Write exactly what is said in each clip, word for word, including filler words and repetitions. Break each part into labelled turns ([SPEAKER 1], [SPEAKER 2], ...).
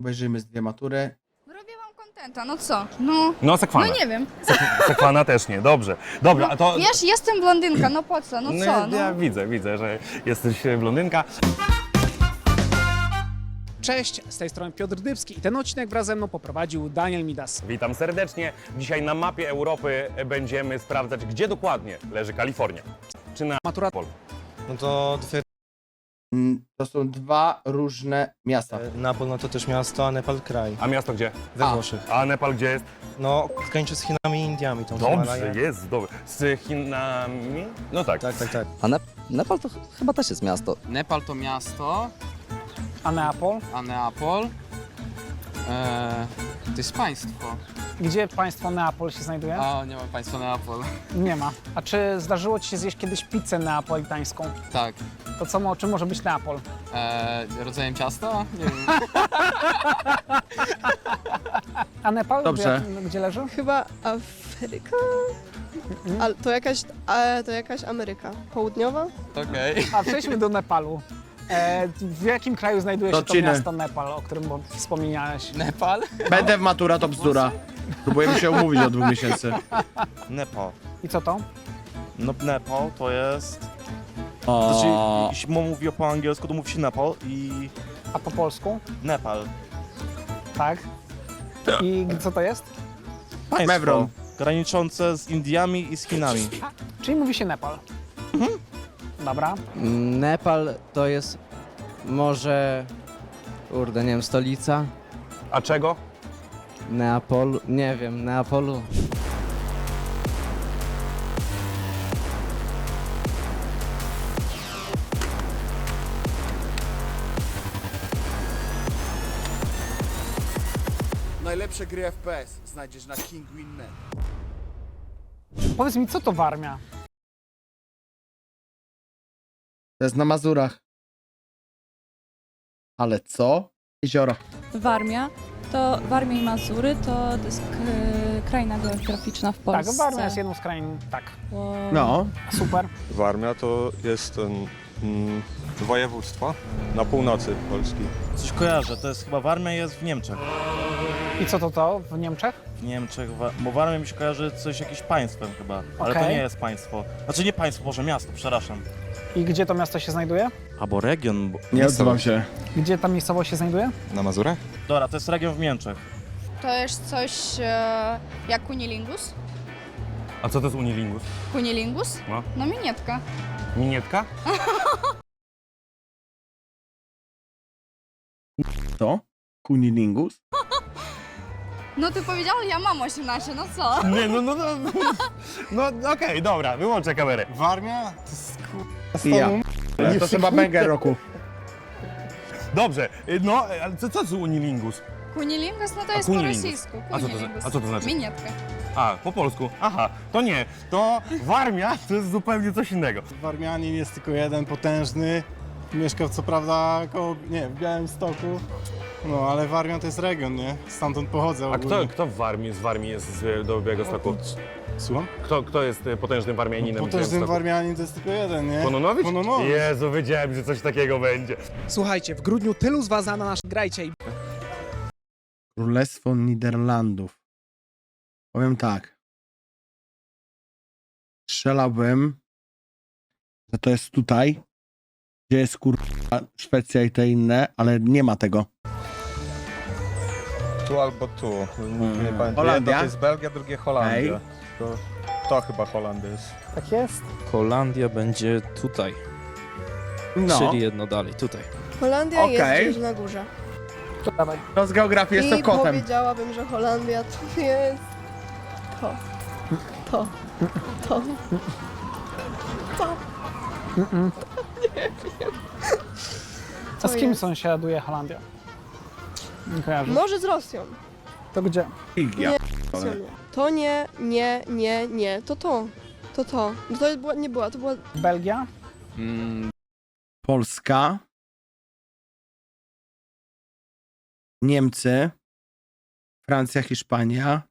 [SPEAKER 1] Obejrzyjmy z dwie matury.
[SPEAKER 2] Robię wam kontenta, no co? No,
[SPEAKER 3] No, sekwana.
[SPEAKER 2] no nie wiem.
[SPEAKER 3] Sek- sekwana też nie, dobrze. Dobra, a to...
[SPEAKER 2] Wiesz, jestem blondynka, no po co? No
[SPEAKER 3] No,
[SPEAKER 2] co?
[SPEAKER 3] ja,
[SPEAKER 2] No.
[SPEAKER 3] ja widzę, widzę, że jesteś e, blondynka.
[SPEAKER 4] Cześć, z tej strony Piotr Dybski i ten odcinek wraz ze mną poprowadził Daniel Midas.
[SPEAKER 3] Witam serdecznie. Dzisiaj na mapie Europy będziemy sprawdzać, gdzie dokładnie leży Kalifornia. Czy na
[SPEAKER 4] Matura
[SPEAKER 3] Pol.
[SPEAKER 5] No to dwie,
[SPEAKER 1] Mm, To są dwa różne miasta.
[SPEAKER 5] Napol no to też miasto, a Nepal kraj.
[SPEAKER 3] A miasto gdzie?
[SPEAKER 5] We
[SPEAKER 1] A.
[SPEAKER 5] Włoszech.
[SPEAKER 3] A Nepal gdzie jest?
[SPEAKER 5] No, graniczy z Chinami i Indiami. Tą
[SPEAKER 3] Dobrze,
[SPEAKER 5] Himalaje.
[SPEAKER 3] jest, dobrze. Z Chinami? No tak.
[SPEAKER 5] Tak, tak, tak.
[SPEAKER 6] A Nep Nepal to ch chyba też jest miasto.
[SPEAKER 7] Nepal to miasto,
[SPEAKER 4] a Neapol.
[SPEAKER 7] a Neapol e, to jest państwo.
[SPEAKER 4] Gdzie państwo Neapol się znajduje?
[SPEAKER 7] A, nie ma państwa Neapol.
[SPEAKER 4] Nie ma. A czy zdarzyło ci się zjeść kiedyś pizzę neapolitańską?
[SPEAKER 7] Tak.
[SPEAKER 4] To co, mo- czym może być Neapol?
[SPEAKER 7] E, rodzajem ciasta? Nie wiem.
[SPEAKER 4] A Nepal?
[SPEAKER 1] Dobrze.
[SPEAKER 4] Gdzie, gdzie leży?
[SPEAKER 8] Chyba Afryka? Ale to jakaś, a, to jakaś Ameryka Południowa?
[SPEAKER 7] Okej.
[SPEAKER 4] A przejdźmy do Nepalu. E, w jakim kraju znajduje
[SPEAKER 1] Do
[SPEAKER 4] się to
[SPEAKER 1] Chiny.
[SPEAKER 4] miasto Nepal, o którym wspomniałeś?
[SPEAKER 7] Nepal?
[SPEAKER 1] Będę w matura, to bzdura. Próbujemy się umówić od dwóch miesięcy.
[SPEAKER 9] Nepal.
[SPEAKER 4] I co to?
[SPEAKER 9] No Nepal to jest...
[SPEAKER 1] O,
[SPEAKER 9] Znaczy, jeśli mówi po angielsku, to mówi się Nepal i
[SPEAKER 4] A po polsku?
[SPEAKER 9] Nepal.
[SPEAKER 4] Tak. I co to jest?
[SPEAKER 9] Państwo
[SPEAKER 1] Mewron.
[SPEAKER 9] graniczące z Indiami i z Chinami.
[SPEAKER 4] Czyli mówi się Nepal. Dobra.
[SPEAKER 10] Nepal to jest może, kurde, nie wiem, stolica
[SPEAKER 3] A czego?
[SPEAKER 10] Neapolu, nie wiem, Neapolu.
[SPEAKER 11] Najlepsze gry F P S znajdziesz na King Win kropka net.
[SPEAKER 4] Powiedz mi, co to Warmia?
[SPEAKER 1] to jest na Mazurach. Ale co? Jezioro.
[SPEAKER 12] Warmia, to Warmia i Mazury to, to jest k- kraina geograficzna w Polsce.
[SPEAKER 4] Tak, Warmia jest jedną z krain, tak.
[SPEAKER 12] Bo-
[SPEAKER 1] No.
[SPEAKER 4] Super.
[SPEAKER 13] Warmia to jest ten, mm, województwo na północy Polski.
[SPEAKER 9] Coś kojarzę, to jest chyba Warmia jest w Niemczech.
[SPEAKER 4] I co to to w Niemczech?
[SPEAKER 9] W Niemczech, wa- bo Warmia mi się kojarzy coś jakimś państwem chyba. Ale to
[SPEAKER 4] Okej.
[SPEAKER 9] nie jest państwo. Znaczy nie państwo, może miasto, przepraszam.
[SPEAKER 4] I gdzie to miasto się znajduje?
[SPEAKER 9] Albo region. Bo...
[SPEAKER 1] Nie odzywam się.
[SPEAKER 4] Gdzie ta miejscowość się znajduje?
[SPEAKER 13] Na Mazurach?
[SPEAKER 9] Dobra, to jest region w Niemczech.
[SPEAKER 2] To jest coś e, jak kunilingus?
[SPEAKER 3] A co to jest Unilingus?
[SPEAKER 2] Kunilingus?
[SPEAKER 3] No.
[SPEAKER 2] No minietka.
[SPEAKER 3] Minietka?
[SPEAKER 1] To? Kunilingus?
[SPEAKER 2] No ty powiedział, ja mam osiemnaście, no co?
[SPEAKER 3] Nie, no, no, no. No okej, dobra, wyłączę kamerę.
[SPEAKER 11] Warmia?
[SPEAKER 1] I ja. To chyba banger roku.
[SPEAKER 3] Dobrze, y, no, ale co, co to jest Unilingus?
[SPEAKER 2] Kunilingus, no to
[SPEAKER 3] A
[SPEAKER 2] jest po
[SPEAKER 3] kunilingus?
[SPEAKER 2] rosyjsku.
[SPEAKER 3] A co to za-
[SPEAKER 2] Kunilingus.
[SPEAKER 3] a co to znaczy?
[SPEAKER 2] Minietka.
[SPEAKER 3] A, po polsku. Aha, to nie. To Warmia to jest zupełnie coś innego.
[SPEAKER 5] Warmianin jest tylko jeden, potężny. Mieszka co prawda koło, nie, w Białymstoku. No, ale Warmia to jest region, nie? Stamtąd pochodzę
[SPEAKER 3] A
[SPEAKER 5] ogólnie.
[SPEAKER 3] kto, kto w Warmii, z Warmii jest z, do Białegostoku?
[SPEAKER 5] Słucham?
[SPEAKER 3] Kto, kto jest y, potężnym Warmianinem? w
[SPEAKER 5] Potężny
[SPEAKER 3] Białymstoku?
[SPEAKER 5] Warmianin to jest tylko jeden, nie?
[SPEAKER 3] Kononowicz?
[SPEAKER 5] Kononowicz.
[SPEAKER 3] Jezu, wiedziałem, że coś takiego będzie.
[SPEAKER 4] Słuchajcie, w grudniu tylu z was na nasz grajcie i
[SPEAKER 1] Królestwo Niderlandów. Powiem tak. Strzelałbym, że to jest tutaj, gdzie jest kurwa Szwecja i te inne, ale nie ma tego.
[SPEAKER 13] Tu albo tu. Nie pamiętam.
[SPEAKER 1] Holandia?
[SPEAKER 13] Jedno to jest Belgia, drugie Holandia.
[SPEAKER 1] Ej.
[SPEAKER 13] To, to chyba Holandia jest.
[SPEAKER 4] tak jest.
[SPEAKER 10] Holandia będzie tutaj,
[SPEAKER 1] No,
[SPEAKER 10] czyli jedno dalej, tutaj.
[SPEAKER 8] Holandia
[SPEAKER 1] Okej.
[SPEAKER 8] jest gdzieś na górze.
[SPEAKER 4] To dawaj.
[SPEAKER 1] to z geografii
[SPEAKER 8] I
[SPEAKER 1] jest to kotem.
[SPEAKER 8] powiedziałabym, że Holandia to jest to. To. To. To.
[SPEAKER 4] A z kim
[SPEAKER 8] jest.
[SPEAKER 4] sąsiaduje Holandia? Nie kojarzę.
[SPEAKER 8] Może z Rosją.
[SPEAKER 4] To gdzie?
[SPEAKER 1] Ja.
[SPEAKER 8] Rosją nie. To nie, nie, nie, nie. To to. To to. No to była, nie była, to była...
[SPEAKER 4] Belgia?
[SPEAKER 7] Mm,
[SPEAKER 1] Polska. Niemcy. Francja, Hiszpania.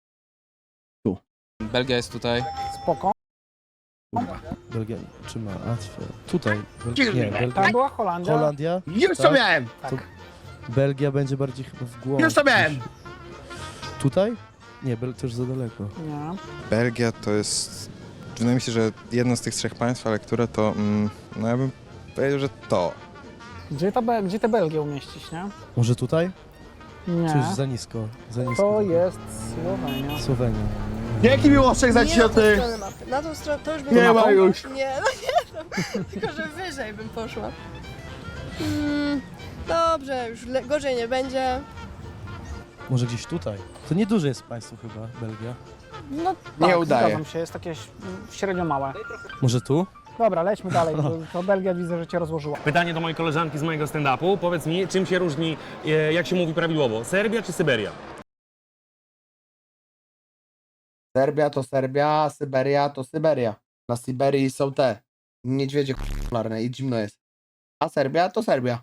[SPEAKER 7] Belgia jest tutaj.
[SPEAKER 4] Spoko.
[SPEAKER 1] Kurwa.
[SPEAKER 9] Belgia, czy ma Łatwę? Tutaj.
[SPEAKER 1] Nie,
[SPEAKER 4] Tam była Holandia.
[SPEAKER 9] Holandia?
[SPEAKER 1] Już to
[SPEAKER 9] Tak?
[SPEAKER 1] miałem!
[SPEAKER 4] Tak.
[SPEAKER 10] Belgia będzie bardziej chyba w głąb.
[SPEAKER 1] Już to miałem!
[SPEAKER 10] Tutaj? Nie, Bel to już za daleko.
[SPEAKER 4] Nie.
[SPEAKER 13] Belgia to jest, wydaje mi się, że jedno z tych trzech państw, ale które to, mm, no ja bym powiedział, że to.
[SPEAKER 4] Gdzie, ta, Be- gdzie tę Belgię umieścić, nie?
[SPEAKER 10] Może tutaj?
[SPEAKER 4] Nie.
[SPEAKER 10] Czy już za nisko? Za nisko.
[SPEAKER 4] To jest Słowenia.
[SPEAKER 10] Słowenia.
[SPEAKER 1] Dzięki Miłoszek za
[SPEAKER 8] Nie na tą
[SPEAKER 1] cioty!
[SPEAKER 8] stronę mapy. Na tą stronę to już bym...
[SPEAKER 1] Nie ma już.
[SPEAKER 8] Nie, no nie, no. Tylko że wyżej bym poszła. Mm, dobrze, już le- gorzej nie będzie.
[SPEAKER 10] Może gdzieś tutaj? To nieduże jest państwo chyba, Belgia.
[SPEAKER 4] No
[SPEAKER 1] Nie
[SPEAKER 4] tak,
[SPEAKER 1] udaje.
[SPEAKER 4] zgadzam się, jest takie ś- średnio małe.
[SPEAKER 10] Może tu?
[SPEAKER 4] Dobra, lećmy dalej, to, to Belgia widzę, że cię rozłożyła.
[SPEAKER 3] Pytanie do mojej koleżanki z mojego stand-upu. Powiedz mi, czym się różni, e, jak się mówi prawidłowo, Serbia czy Syberia?
[SPEAKER 1] Serbia to Serbia, Syberia to Syberia. Na Syberii są te niedźwiedzie polarne i zimno jest. A Serbia to Serbia.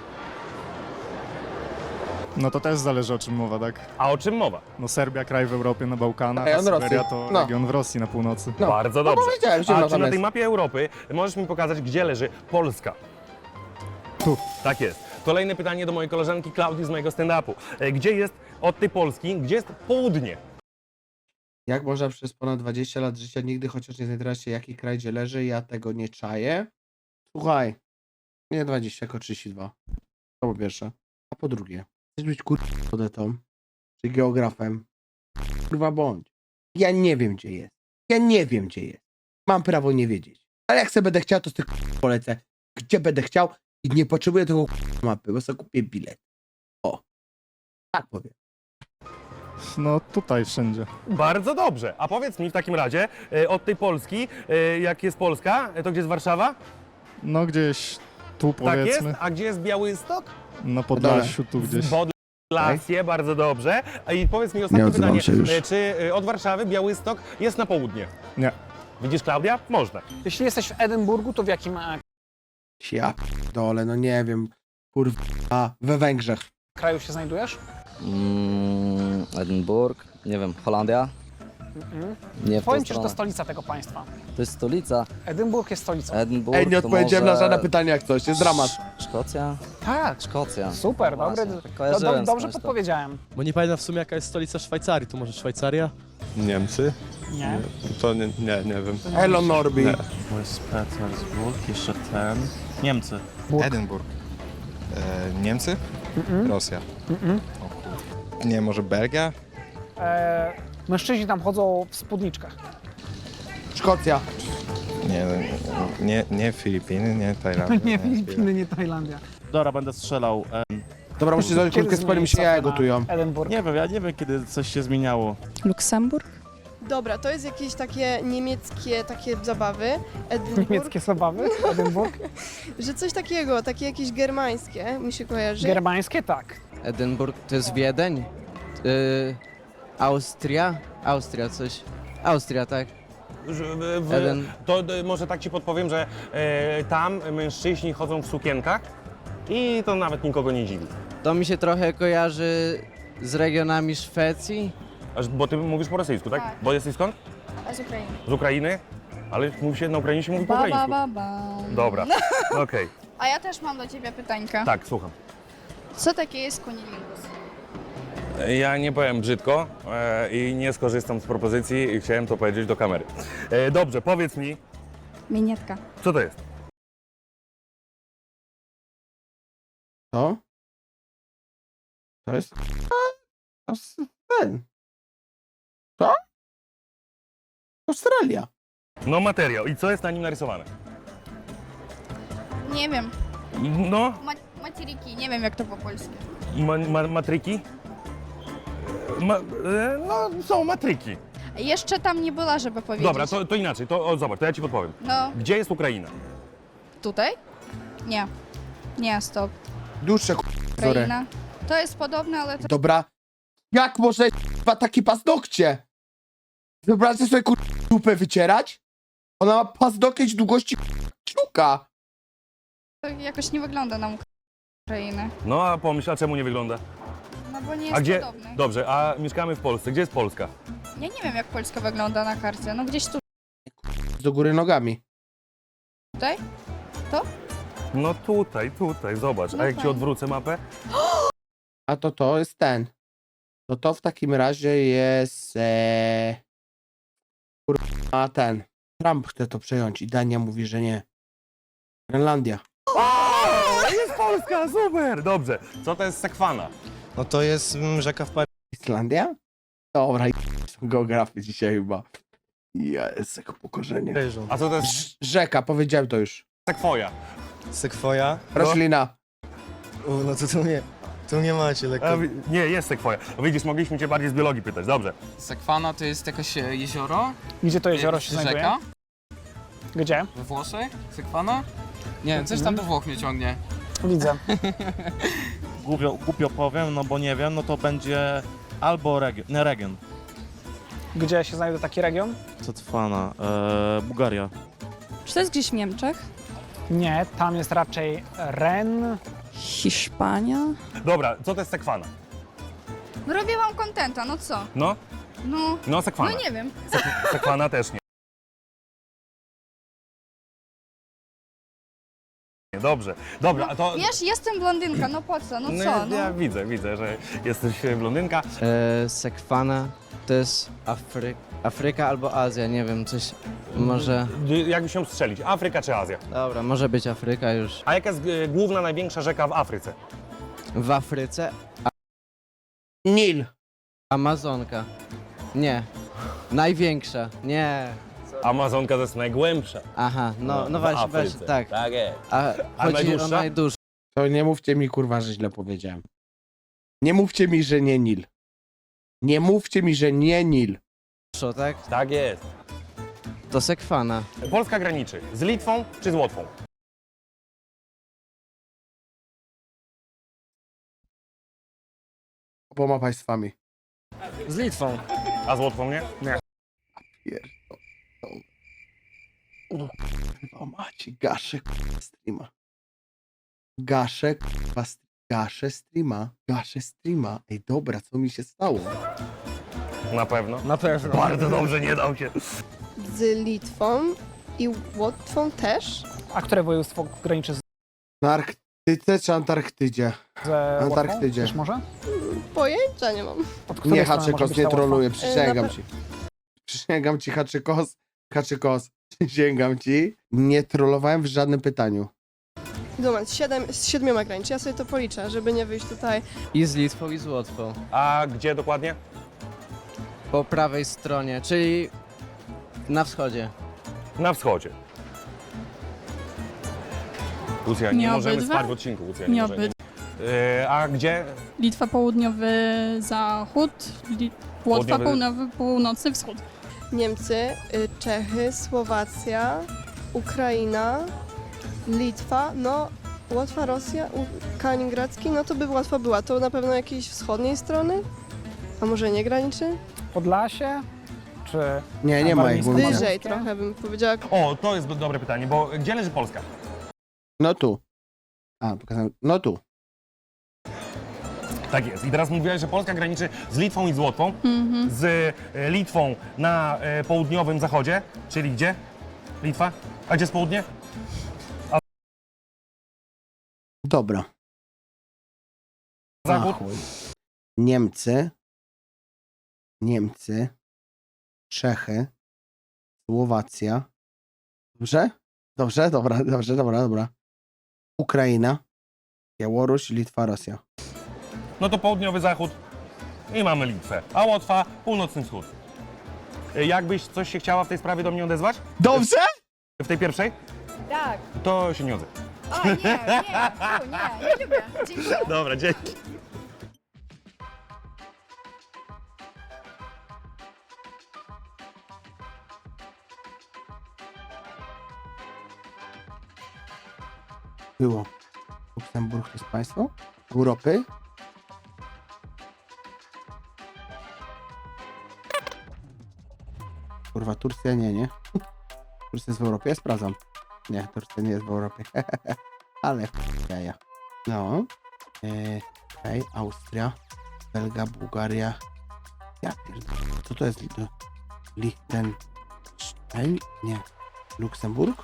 [SPEAKER 5] No to też zależy o czym mowa, tak?
[SPEAKER 3] A o czym mowa?
[SPEAKER 5] No Serbia, kraj w Europie, na Bałkanach, a
[SPEAKER 1] Rejon
[SPEAKER 5] Syberia
[SPEAKER 1] Rosji.
[SPEAKER 5] to
[SPEAKER 1] No.
[SPEAKER 5] region w Rosji na północy.
[SPEAKER 1] No.
[SPEAKER 3] Bardzo
[SPEAKER 1] No
[SPEAKER 3] dobrze.
[SPEAKER 1] powiedziałem, zimno
[SPEAKER 3] A czy
[SPEAKER 1] tam
[SPEAKER 3] na
[SPEAKER 1] jest.
[SPEAKER 3] tej mapie Europy możesz mi pokazać, gdzie leży Polska?
[SPEAKER 5] Tu.
[SPEAKER 3] Tak jest. Kolejne pytanie do mojej koleżanki Klaudii z mojego stand-upu. E, Gdzie jest od tej Polski, gdzie jest południe?
[SPEAKER 1] Jak można przez ponad dwadzieścia lat życia nigdy chociaż nie zorientować się, jaki kraj gdzie leży? Ja tego nie czaję. Słuchaj, nie dwadzieścia, tylko trzydzieści dwa. To po pierwsze. A po drugie, chcesz być kurwą czy geografem? Kurwa bądź. Ja nie wiem, gdzie jest. Ja nie wiem, gdzie jest. Mam prawo nie wiedzieć. Ale jak sobie będę chciał, to z tych polecę. Gdzie będę chciał i nie potrzebuję tego mapy, bo sobie kupię bilet. O. Tak powiem.
[SPEAKER 5] No tutaj wszędzie.
[SPEAKER 3] Bardzo dobrze. A powiedz mi w takim razie, e, od tej Polski, e, jak jest Polska, e, to gdzie jest Warszawa?
[SPEAKER 5] No gdzieś tu
[SPEAKER 3] Tak jest.
[SPEAKER 5] powiedzmy,
[SPEAKER 3] A gdzie jest Białystok?
[SPEAKER 5] na Podlasiu, tu gdzieś.
[SPEAKER 3] Podlasie, bardzo dobrze. A I powiedz mi ostatnie
[SPEAKER 1] Nie odzywam
[SPEAKER 3] pytanie.
[SPEAKER 1] się już.
[SPEAKER 3] E, Czy e, od Warszawy Białystok jest na południe?
[SPEAKER 5] Nie.
[SPEAKER 3] Widzisz, Klaudia? Można.
[SPEAKER 4] Jeśli jesteś w Edynburgu, to w jakim e,
[SPEAKER 1] Ja dole, no nie wiem. Kurwa, we Węgrzech.
[SPEAKER 4] kraju się znajdujesz?
[SPEAKER 6] Mm, Edynburg, nie wiem, Holandia?
[SPEAKER 4] Mhm.
[SPEAKER 6] Nie w tą
[SPEAKER 4] Powiem ci, że to
[SPEAKER 6] stronę.
[SPEAKER 4] stolica tego państwa.
[SPEAKER 6] To jest stolica.
[SPEAKER 4] Edynburg jest stolicą.
[SPEAKER 6] Edynburg
[SPEAKER 1] Ej, nie
[SPEAKER 6] to
[SPEAKER 1] odpowiedziałem
[SPEAKER 6] może...
[SPEAKER 1] na żadne pytanie jak coś, jest dramat.
[SPEAKER 6] Sz- Szkocja?
[SPEAKER 4] Tak,
[SPEAKER 6] Szkocja.
[SPEAKER 4] super,
[SPEAKER 6] Właśnie,
[SPEAKER 4] dobry.
[SPEAKER 6] tak
[SPEAKER 4] Do,
[SPEAKER 6] kojarzyłem
[SPEAKER 4] do, dobrze
[SPEAKER 6] skądś to.
[SPEAKER 4] podpowiedziałem.
[SPEAKER 10] Bo nie pamiętam w sumie jaka jest stolica Szwajcarii. To może Szwajcaria?
[SPEAKER 13] Niemcy?
[SPEAKER 4] Nie?
[SPEAKER 13] To nie, nie, nie wiem.
[SPEAKER 1] Elo Norbi.
[SPEAKER 13] Nie.
[SPEAKER 9] To jest Petersburg, jeszcze ten. Niemcy.
[SPEAKER 13] Edynburg. E, Niemcy? Rosja.
[SPEAKER 4] Mm-mm.
[SPEAKER 13] O kur... Nie, może Belgia?
[SPEAKER 4] E, mężczyźni tam chodzą w spódniczkach.
[SPEAKER 1] Szkocja.
[SPEAKER 13] Nie, nie, nie Filipiny, nie Tajlandia.
[SPEAKER 4] Nie Filipiny, nie Tajlandia.
[SPEAKER 9] Dobra, będę strzelał. E,
[SPEAKER 1] Dobra, muszę zrobić
[SPEAKER 4] Kiedy
[SPEAKER 1] kulkę z panem, mi się
[SPEAKER 4] zmieni
[SPEAKER 1] jaja
[SPEAKER 4] cofę na
[SPEAKER 1] gotują.
[SPEAKER 4] Edynburg.
[SPEAKER 9] nie wiem, ja nie wiem, kiedy coś się zmieniało.
[SPEAKER 12] Luksemburg?
[SPEAKER 8] Dobra, to jest jakieś takie niemieckie takie zabawy. Edynburg,
[SPEAKER 4] Niemieckie zabawy, Edynburg.
[SPEAKER 8] że coś takiego, takie jakieś germańskie mi się kojarzy.
[SPEAKER 4] Germańskie, tak.
[SPEAKER 10] Edynburg to jest Wiedeń? Yy, Austria? Austria coś. Austria, tak.
[SPEAKER 3] W, w,
[SPEAKER 10] Eden-
[SPEAKER 3] to e, może tak ci podpowiem, że e, tam mężczyźni chodzą w sukienkach i to nawet nikogo nie dziwi.
[SPEAKER 10] To mi się trochę kojarzy z regionami Szwecji.
[SPEAKER 3] Aż, bo ty mówisz po rosyjsku, tak?
[SPEAKER 2] Tak.
[SPEAKER 3] Bo jesteś skąd?
[SPEAKER 2] A z Ukrainy.
[SPEAKER 3] Z Ukrainy? Ale mówi się, na Ukrainie się mówi po
[SPEAKER 2] Ba, ba,
[SPEAKER 3] ukraińsku.
[SPEAKER 2] ba, ba.
[SPEAKER 3] Dobra, okej.
[SPEAKER 2] A ja też mam do ciebie pytańka.
[SPEAKER 3] Tak, słucham.
[SPEAKER 2] Co takie jest kunilingus?
[SPEAKER 3] Ja nie powiem brzydko e, i nie skorzystam z propozycji i chciałem to powiedzieć do kamery. E, dobrze, powiedz mi,
[SPEAKER 2] Minietka.
[SPEAKER 3] co to jest?
[SPEAKER 1] Co? To jest... To jest ten. Co? Australia.
[SPEAKER 3] No materiał. I co jest na nim narysowane?
[SPEAKER 2] Nie wiem.
[SPEAKER 3] No,
[SPEAKER 2] Ma materiki, nie wiem jak to po polsku.
[SPEAKER 3] ma, ma, matryki? Ma, e, no, są matryki.
[SPEAKER 2] Jeszcze tam nie była, żeby powiedzieć.
[SPEAKER 3] Dobra, to, to inaczej, to o, zobacz, to ja ci podpowiem.
[SPEAKER 2] No,
[SPEAKER 3] Gdzie jest Ukraina?
[SPEAKER 2] tutaj? Nie. Nie, stop.
[SPEAKER 1] Dłuższe k***zory.
[SPEAKER 2] Ukraina. To jest podobne, ale to...
[SPEAKER 1] Dobra. Jak może k***a takie paznokcie? Wyobraźcie sobie k***a dupę wycierać? Ona ma paznokieć długości k***a kciuka.
[SPEAKER 2] to jakoś nie wygląda na Ukrainę.
[SPEAKER 3] No, a pomyśl, a czemu nie wygląda?
[SPEAKER 2] No bo nie jest
[SPEAKER 3] A gdzie?
[SPEAKER 2] podobny.
[SPEAKER 3] Dobrze, a mieszkamy w Polsce. Gdzie jest Polska?
[SPEAKER 2] Ja nie wiem jak Polska wygląda na karcie. No gdzieś tu,
[SPEAKER 1] Do góry nogami.
[SPEAKER 2] tutaj?
[SPEAKER 3] No tutaj, tutaj, zobacz.
[SPEAKER 2] No
[SPEAKER 3] A jak ci
[SPEAKER 2] fajnie.
[SPEAKER 3] odwrócę mapę?
[SPEAKER 1] A to to jest ten. To to w takim razie jest e... kurwa ten. Trump chce to przejąć i Dania mówi, że nie. Grenlandia.
[SPEAKER 3] O, jest Polska, super! Dobrze. Co to jest sekwana?
[SPEAKER 5] No to jest mm, rzeka w Paryżu.
[SPEAKER 1] Islandia? Dobra, i są geografy dzisiaj chyba. Jest jako pokorzenie.
[SPEAKER 3] A co to jest
[SPEAKER 1] Rz- Rzeka, powiedziałem to już.
[SPEAKER 3] sekwoja?
[SPEAKER 5] Sekwoja.
[SPEAKER 1] Roślina.
[SPEAKER 5] U, no to tu nie, tu nie macie lekko.
[SPEAKER 3] A, wi- nie, jest sekwoja. No widzisz, mogliśmy cię bardziej z biologii pytać. Dobrze.
[SPEAKER 7] Sekwana to jest jakieś e, jezioro?
[SPEAKER 4] Gdzie to jezioro się znajduje?
[SPEAKER 7] Rzeka?
[SPEAKER 4] Gdzie?
[SPEAKER 7] We Włoszech? Sekwana? Nie, coś tam do Włoch mnie ciągnie.
[SPEAKER 4] Widzę.
[SPEAKER 9] Głupio, głupio powiem, no bo nie wiem, no to będzie albo region, nie region.
[SPEAKER 4] Gdzie się znajduje taki region?
[SPEAKER 9] Co trwana? Eee, Bułgaria.
[SPEAKER 12] Czy to jest gdzieś w Niemczech?
[SPEAKER 4] Nie, tam jest raczej Ren.
[SPEAKER 12] Hiszpania?
[SPEAKER 3] Dobra, co to jest sekwana?
[SPEAKER 2] No robię wam kontenta, no co?
[SPEAKER 3] No?
[SPEAKER 2] No,
[SPEAKER 3] No, sekwana.
[SPEAKER 2] no nie wiem.
[SPEAKER 3] Sek- sekwana też nie. Nie, Dobrze. Dobra, a to...
[SPEAKER 2] Wiesz, jestem blondynka, no po co, no
[SPEAKER 3] No,
[SPEAKER 2] co,
[SPEAKER 3] ja
[SPEAKER 2] no.
[SPEAKER 3] widzę, widzę, że jesteś e, blondynka.
[SPEAKER 10] E, sekwana to jest Afry... Afryka albo Azja, nie wiem, coś może...
[SPEAKER 3] D- Jakbyś się strzelić, Afryka czy Azja?
[SPEAKER 10] Dobra, może być Afryka już.
[SPEAKER 3] A jaka jest e, główna, największa rzeka w Afryce?
[SPEAKER 10] W Afryce
[SPEAKER 1] Nil.
[SPEAKER 10] Amazonka. Nie. Największa. Nie.
[SPEAKER 3] Amazonka to jest najgłębsza.
[SPEAKER 10] Aha, no, no
[SPEAKER 3] w
[SPEAKER 10] właśnie,
[SPEAKER 3] Afryce.
[SPEAKER 10] właśnie, tak.
[SPEAKER 3] Tak jest.
[SPEAKER 10] A
[SPEAKER 3] A
[SPEAKER 10] chodzi o
[SPEAKER 3] najdłuższa?
[SPEAKER 10] najdłuższą.
[SPEAKER 1] To nie mówcie mi, kurwa, że źle powiedziałem. Nie mówcie mi, że nie Nil. Nie mówcie mi, że nie Nil.
[SPEAKER 10] Tak?
[SPEAKER 3] Tak jest.
[SPEAKER 10] To sekwana.
[SPEAKER 3] Polska graniczy z Litwą czy z Łotwą?
[SPEAKER 1] Oboma państwami.
[SPEAKER 4] Z Litwą.
[SPEAKER 3] A z Łotwą nie?
[SPEAKER 1] Pierdolę. O kurwa macie, gaszę kurwa streama. Gaszę kurwa st- gaszę streama. Gaszę streama. Ej dobra, co mi się stało?
[SPEAKER 3] Na pewno.
[SPEAKER 4] Na pewno.
[SPEAKER 3] Bardzo dobrze, nie dał się.
[SPEAKER 8] Z Litwą i Łotwą też.
[SPEAKER 4] A które województwo graniczy z
[SPEAKER 1] Na Arktyce czy Antarktydzie?
[SPEAKER 4] z
[SPEAKER 1] Antarktydzie.
[SPEAKER 4] Wiesz może?
[SPEAKER 8] Pojęcia nie mam.
[SPEAKER 4] Od której
[SPEAKER 1] Nie,
[SPEAKER 4] strony może
[SPEAKER 1] Haczykos,
[SPEAKER 4] być
[SPEAKER 1] nie
[SPEAKER 4] ta Łotwa?
[SPEAKER 1] troluję,
[SPEAKER 8] E,
[SPEAKER 1] przysięgam
[SPEAKER 8] na
[SPEAKER 1] ci. Przysięgam ci, Haczykos, Haczykos, przysięgam ci. Nie trollowałem w żadnym pytaniu.
[SPEAKER 8] Moment, siedem, z siedmioma graniczy. Ja sobie to policzę, żeby nie wyjść tutaj.
[SPEAKER 10] I z Litwą, i z Łotwą.
[SPEAKER 3] A gdzie dokładnie?
[SPEAKER 10] Po prawej stronie, czyli na wschodzie.
[SPEAKER 3] Na wschodzie. Lucja, nie,
[SPEAKER 12] Nie
[SPEAKER 3] możemy
[SPEAKER 12] obydwa?
[SPEAKER 3] spać w odcinku, Lucja,
[SPEAKER 12] Nie
[SPEAKER 3] nie możemy. E, a gdzie?
[SPEAKER 12] Litwa, południowy zachód, Li... Łotwa,
[SPEAKER 3] Południowy-
[SPEAKER 12] południowy, północny wschód.
[SPEAKER 8] Niemcy, y, Czechy, Słowacja, Ukraina, Litwa, no Łotwa, Rosja, U- Kaliningradzki, no to by Łotwa była. To na pewno jakiejś wschodniej strony? A może nie graniczy?
[SPEAKER 4] Podlasie? Czy...
[SPEAKER 1] Nie, nie ma ich.
[SPEAKER 4] Wyżej.
[SPEAKER 1] mówię.
[SPEAKER 8] Wyżej trochę bym powiedziała.
[SPEAKER 3] O, to jest dobre pytanie, bo gdzie leży Polska?
[SPEAKER 1] No tu. A, pokazałem. No tu.
[SPEAKER 3] Tak jest. I teraz mówiłeś, że Polska graniczy z Litwą i z Łotwą.
[SPEAKER 12] Mhm.
[SPEAKER 3] Z e, Litwą na e, południowym zachodzie, czyli gdzie? Litwa? A gdzie jest południe?
[SPEAKER 1] Dobra. Na
[SPEAKER 3] Zachód?
[SPEAKER 1] chuj. Niemcy. Niemcy. Czechy. Słowacja. Dobrze? Dobrze, dobra, dobrze, dobra, dobra. Ukraina. Białoruś, Litwa, Rosja.
[SPEAKER 3] No to południowy zachód i mamy Litwę. A Łotwa, północny wschód. E, Jakbyś coś się chciała w tej sprawie do mnie odezwać?
[SPEAKER 1] Dobrze?
[SPEAKER 3] W tej pierwszej?
[SPEAKER 2] Tak.
[SPEAKER 3] To się nie odzywaj.
[SPEAKER 2] O nie, nie, fu, nie, nie lubię. Dziękuję.
[SPEAKER 3] Dobra, dzięki.
[SPEAKER 1] Było. Luksemburg to jest państwo? Europy? Kurwa, Turcja nie, nie? Turcja jest w Europie? Ja sprawdzam. Nie, Turcja nie jest w Europie. Ale jaja. No. Eee, okej, Austria, Belgia, Bułgaria. Ja pierdolę. Co to jest? Li- Liechtenstein? Nie. Luksemburg?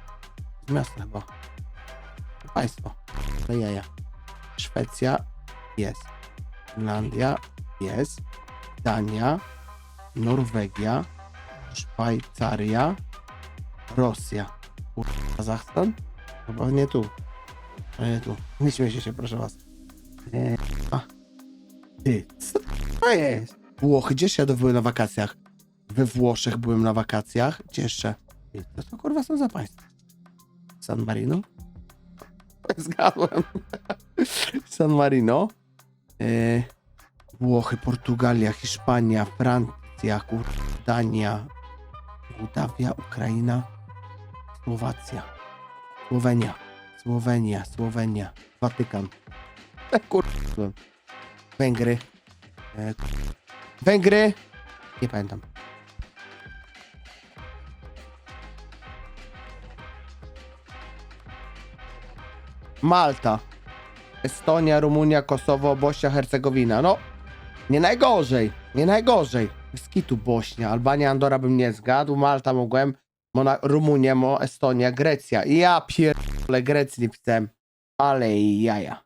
[SPEAKER 1] Z miasta chyba. Państwo. To jaja. Szwecja, jest. Finlandia jest. Dania, Norwegia, Szwajcaria, Rosja. Kurwa, Kazachstan? Chyba nie tu. A nie tu. Nie śmiejcie się, proszę was. Eee, a. Ty, co to jest? Włochy, gdzież ja byłem na wakacjach? We Włoszech byłem na wakacjach. Gdzie jeszcze? Ty, co to kurwa są za państwa? San Marino? Zgadłem. San Marino. Eee, Włochy, Portugalia, Hiszpania, Francja, kurwa, Dania, Mołdawia, Ukraina, Słowacja, Słowenia, Słowenia, Słowenia, Watykan, e, kurwa, Węgry, e, kurwa. Węgry, nie pamiętam. Malta, Estonia, Rumunia, Kosowo, Bośnia, Hercegowina. No, nie najgorzej, nie najgorzej. Z kitu Bośnia, Albania, Andora bym nie zgadł, Malta mogłem, Mona, Rumunia, Mo, Estonia, Grecja. Ja pierdolę, Grecji nie pisałem, ale jaja.